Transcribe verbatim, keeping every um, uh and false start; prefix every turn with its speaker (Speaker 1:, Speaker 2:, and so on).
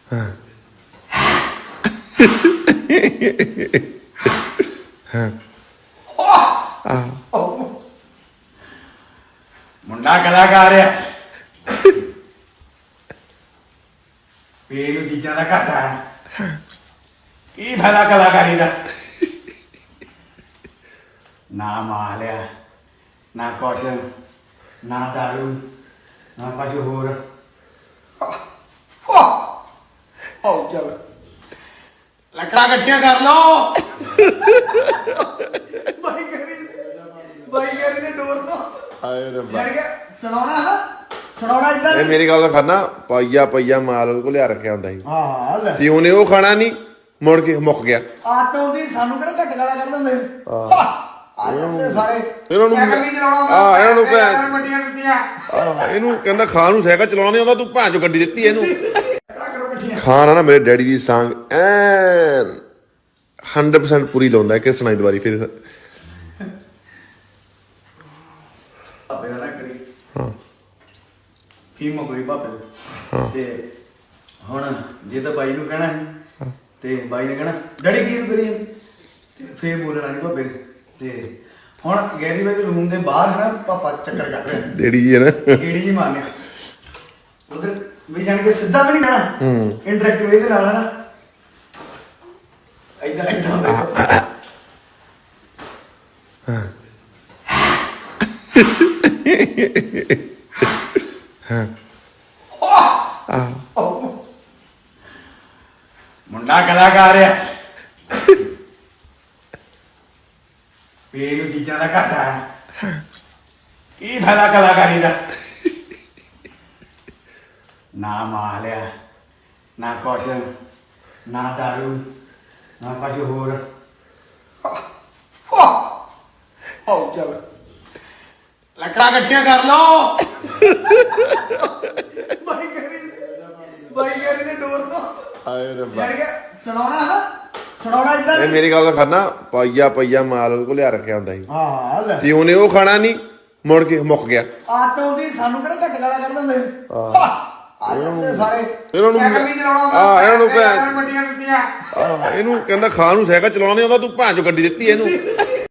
Speaker 1: ਮੁੰਡਾ ਕਲਾਕਾਰ ਆ ਪੇਰੂ ਚੀਜ਼ਾਂ ਦਾ ਘਾਟਾ ਕੀ ਫਾਇਦਾ ਕਲਾਕਾਰੀ ਦਾ ਨਾ ਮਾਲਿਆ ਨਾ ਕੁਛ ਨਾ ਦਾਰੂ ਨਾ ਕੁਛ ਹੋਰ ਆਓ ਚੱਲ ਲੱਕੜਾਂ ਇਕੱਠੀਆਂ ਕਰ ਲਓ ਬਾਈ ਕਰੀ ਬਾਈ ਕਰੀ ਦੇ ਡੋਰ ਤੋਂ
Speaker 2: ਆਏ ਰੱਬਾ
Speaker 1: ਯਾਰ ਕਿ ਸੁਣਾਉਣਾ ਹੈ ਸੁਣਾਉਣਾ ਇਦਾਂ
Speaker 2: ਇਹ ਮੇਰੀ ਗੱਲ ਦਾ ਖਾਣਾ ਪਾਈਆ ਪਈਆ ਮਾਲ ਉਹਦੇ ਕੋਲ ਲਿਆ ਰੱਖਿਆ ਹੁੰਦਾ ਸੀ
Speaker 1: ਹਾਂ ਲੈ
Speaker 2: ਤੇ ਉਹਨੇ ਉਹ ਖਾਣਾ ਨਹੀਂ ਮੁੜ ਕੇ ਮੁੱਕ ਗਿਆ
Speaker 1: ਆਤ ਉਹਦੀ ਸਾਨੂੰ ਕਿਹੜਾ ਘੱਟ ਗਾਲਾਂ ਕੱਢ ਦਿੰਦੇ ਆ ਜਾਂਦੇ ਸਾਰੇ
Speaker 2: ਇਹਨਾਂ ਨੂੰ
Speaker 1: ਸਾਈਕਲ ਵੀ ਚਲਾਉਣਾ
Speaker 2: ਆ ਇਹਨਾਂ ਨੂੰ ਭੈਣ
Speaker 1: ਵੱਡੀਆਂ ਦਿੱਤੀਆਂ
Speaker 2: ਆ ਇਹਨੂੰ ਕਹਿੰਦਾ ਖਾਣ ਨੂੰ ਸਾਈਕਲ ਚਲਾਉਣਾ ਨਹੀਂ ਆਉਂਦਾ ਤੂੰ ਭੈਣ ਚੋ ਗੱਡੀ ਦਿੱਤੀ ਇਹਨੂੰ
Speaker 1: ਕਿਹੜਾ ਕਰੋ ਇਕੱਠੀਆਂ
Speaker 2: ਖਾਣ ਆ ਨਾ ਮੇਰੇ ਡੈਡੀ ਦੀ ਸਾਂਗ ਐਨ ਹੰਡਰਡ ਪਰਸੈਂਟ ਪੂਰੀ ਲਾਉਂਦਾ ਕਿ ਸੁਣਾਈ ਦੁਬਾਰੀ ਫਿਰ
Speaker 1: ਬਾਬੇ ਦਾ ਨਾ ਕਰੀ
Speaker 2: ਹਾਂ
Speaker 1: ਫੀਮ ਕੋਈ ਬਾਬੇ ਤੇ ਹੁਣ ਜੇ ਤਾਂ ਬਾਈ ਨੂੰ ਕਹਿਣਾ ਸੀ ਤੇ ਬਾਈ ਨੇ ਕਹਿਣਾ ਡੈਡੀ ਕੀ ਕਰੀ ਤੇ ਫੇਰ ਬੋਲਣਾ ਨਹੀਂ ਬਾਬੇ ਨੇ ਤੇ ਹੁਣ ਗੈਰੀ ਵੇ ਦੇ ਰੂਮ ਦੇ ਬਾਹਰ ਹੈ ਨਾ ਪਾਪਾ ਚੱਕਰ ਕਰ ਰਿਹਾ
Speaker 2: ਡੈਡੀ ਜੀ ਹੈ ਨਾ
Speaker 1: ਕੀੜੀ ਜੀ ਮਾਰਨੇ ਉਧਰ ਵੀ ਜਾਣ ਕੇ ਸਿੱਧਾ ਵੀ ਨਹੀਂ ਕਹਿਣਾ
Speaker 2: ਹੂੰ
Speaker 1: ਇੰਟਰੈਕਟ ਵੇ ਦੇ ਨਾਲ ਹੈ ਨਾ ਇਦਾਂ ਇਦਾਂ ਹੁੰਦਾ ਮੁੰਡਾ ਕਲਾਕਾਰ ਆ ਪੇਰੂ ਚੀਜ਼ਾਂ ਦਾ ਘਾਟਾ ਕੀ ਫਾਇਦਾ ਕਲਾਕਾਰੀ ਦਾ ਨਾ ਮਾਲਿਆ ਨਾ ਕੁਛ ਨਾ ਦਾਰੂ ਨਾ ਕੁਛ ਹੋਰ ਆਓ ਚੱਲ ਲੱਕੜਾਂ ਇਕੱਠੀਆਂ ਕਰ ਲਓ ਬਾਈ ਕਰੀ ਬਾਈ ਕਰੀ ਦੇ ਡੋਰ ਤੋਂ
Speaker 2: ਆਏ ਰੱਬਾ
Speaker 1: ਯਾਰ ਕਿ ਸੁਣਾਉਣਾ ਹੈ ਸੁਣਾਉਣਾ ਇਦਾਂ
Speaker 2: ਇਹ ਮੇਰੀ ਗੱਲ ਦਾ ਖਾਣਾ ਪਾਈਆ ਪਈਆ ਮਾਲ ਉਹਦੇ ਕੋਲ ਲਿਆ ਰੱਖਿਆ ਹੁੰਦਾ ਸੀ
Speaker 1: ਹਾਂ ਲੈ
Speaker 2: ਤੇ ਉਹਨੇ ਉਹ ਖਾਣਾ ਨਹੀਂ ਮੁੜ ਕੇ ਮੁੱਕ ਗਿਆ
Speaker 1: ਆਤ ਉਹਦੀ ਸਾਨੂੰ ਕਿਹੜਾ ਘੱਟ ਗਾਲਾਂ ਕੱਢ ਦਿੰਦੇ ਆ ਜਾਂਦੇ ਸਾਰੇ
Speaker 2: ਇਹਨਾਂ ਨੂੰ
Speaker 1: ਸਾਈਕਲ ਵੀ ਚਲਾਉਣਾ
Speaker 2: ਆ ਇਹਨਾਂ ਨੂੰ ਭੈਣ
Speaker 1: ਵੱਡੀਆਂ ਦਿੱਤੀਆਂ
Speaker 2: ਆ ਇਹਨੂੰ ਕਹਿੰਦਾ ਖਾਣ ਨੂੰ ਸਾਈਕਲ ਚਲਾਉਣਾ ਨਹੀਂ ਆਉਂਦਾ ਤੂੰ ਭੈਣ ਚੋ ਗੱਡੀ ਦਿੱਤੀ ਇਹਨੂੰ